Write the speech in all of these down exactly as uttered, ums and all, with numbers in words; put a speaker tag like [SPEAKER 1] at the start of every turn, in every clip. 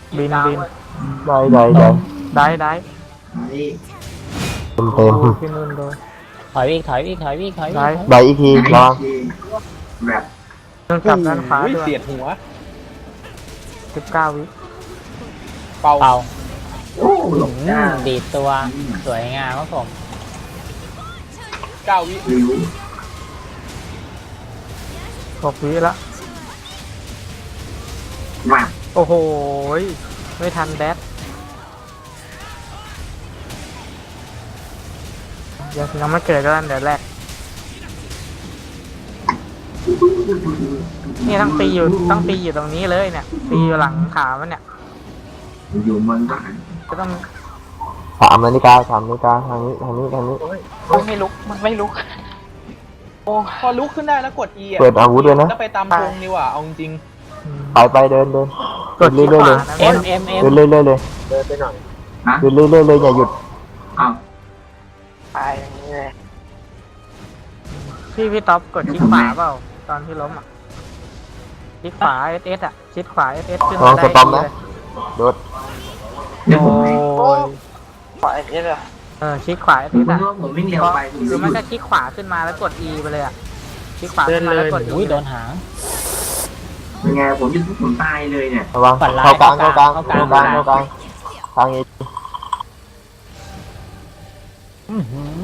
[SPEAKER 1] บินบิน
[SPEAKER 2] ได้ได้ได้
[SPEAKER 1] ได้ได้
[SPEAKER 3] นี่
[SPEAKER 2] เต็มเต็ม
[SPEAKER 1] โอ้พี่นุ่นโดน
[SPEAKER 4] ถอยอีกถอยอีกถอยอีกถอยอีก
[SPEAKER 1] ได้
[SPEAKER 2] ใบอีกทีระวัง
[SPEAKER 3] แบบ
[SPEAKER 1] นุ่นกลับด้านขวา
[SPEAKER 5] โอ้ย
[SPEAKER 1] ด้วย
[SPEAKER 5] เสียดหัว
[SPEAKER 1] สิบเก้าวิ
[SPEAKER 5] เป่า
[SPEAKER 4] เป่า
[SPEAKER 3] โอ้หลบ
[SPEAKER 4] อื
[SPEAKER 3] ได้
[SPEAKER 4] มดีดตัวสวยงามครับผม
[SPEAKER 5] เก้าวิ
[SPEAKER 3] ริ้ว
[SPEAKER 1] หกวิละ
[SPEAKER 3] แบบ
[SPEAKER 1] โอ้โหไม่ทันแดดยังยังไม่เกิดก็แล้วเดี๋ยวแรกนี่ต้องตีอยู่ต้องตีอยู่ตรงนี้เลยเนี่ยตีอยู่หลังขามันเนี่ย
[SPEAKER 3] อยู่มันบ้าน
[SPEAKER 1] ก็ต้อง
[SPEAKER 2] สามนาฬิกาสามนาฬิกาทางนี้ทางนี้ทางนี้
[SPEAKER 6] โอ้ยไม่ลุก มันไม่ลุก โอ้
[SPEAKER 5] พอลุกขึ้นได้แล้วกด E อ่ะ
[SPEAKER 2] เปิดอาวุธด้วยนะ
[SPEAKER 5] แล้วไปตามธงดีกว่าเอาจริง
[SPEAKER 1] อืม
[SPEAKER 2] ไปไปเดินเดิน
[SPEAKER 1] กดที่
[SPEAKER 2] เรื่อย
[SPEAKER 1] ข
[SPEAKER 2] ๆเล
[SPEAKER 1] วาย นะ
[SPEAKER 4] เอ็มเอ็มเอ็ม
[SPEAKER 2] เดินเรื่อยๆเลย
[SPEAKER 3] ฮะ
[SPEAKER 2] เดินเรื่อยๆเลยอย่าหยุด
[SPEAKER 3] อ้าว
[SPEAKER 6] ตายอย่างนี้เลย
[SPEAKER 1] พี่พี่ท็อปกดคลิกขวาเปล่าตอนที่ล้มอ่ะคลิกขวาเอสเอสอ่ะคลิกขวาเอสเอสขึ้น
[SPEAKER 2] ลอ
[SPEAKER 1] มาง
[SPEAKER 2] ส
[SPEAKER 1] ได้
[SPEAKER 2] ตอม
[SPEAKER 1] ดี
[SPEAKER 2] นะ
[SPEAKER 1] เลย
[SPEAKER 2] โดด
[SPEAKER 3] เดี๋ยวผม
[SPEAKER 1] โอ้ย
[SPEAKER 6] ปล่อยนี่เลย
[SPEAKER 1] เออคลิกขวาเอส
[SPEAKER 3] ผ
[SPEAKER 1] เอ
[SPEAKER 3] ม
[SPEAKER 1] สอ่ะ
[SPEAKER 3] ว่าผมไม่เร็วไปผม
[SPEAKER 1] หรือ
[SPEAKER 3] จะห
[SPEAKER 1] มัน
[SPEAKER 3] ยุ
[SPEAKER 1] ก็
[SPEAKER 3] ด
[SPEAKER 1] คลิกขวาขึ้นมาแล้วกด E ไปเลยอ่ะคลิกขวาขึ้นมาแล้วกด E
[SPEAKER 4] อุ้ยโดนหาง
[SPEAKER 3] เป็นไงผมจะทุบผมตายเลยเนี่ย
[SPEAKER 2] ระวัง
[SPEAKER 4] ฝันร้าย
[SPEAKER 2] เข้ากลางเข้ากลาง
[SPEAKER 4] เข้า
[SPEAKER 2] เข้าก ก
[SPEAKER 4] ลา
[SPEAKER 2] ลาง งเข้ากลางทางนี้
[SPEAKER 4] อื้อหือ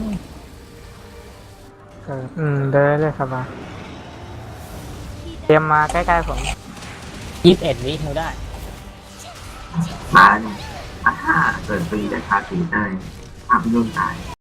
[SPEAKER 1] เอออืมเดินเลยครับมาเตรียมมาใกล้ๆผม
[SPEAKER 4] ยี่สิบเอ็ดวิเท่าได้
[SPEAKER 3] ตายอ่ะถ้าเกิดปีแต่คาสีได้ภาพยุ่งตาย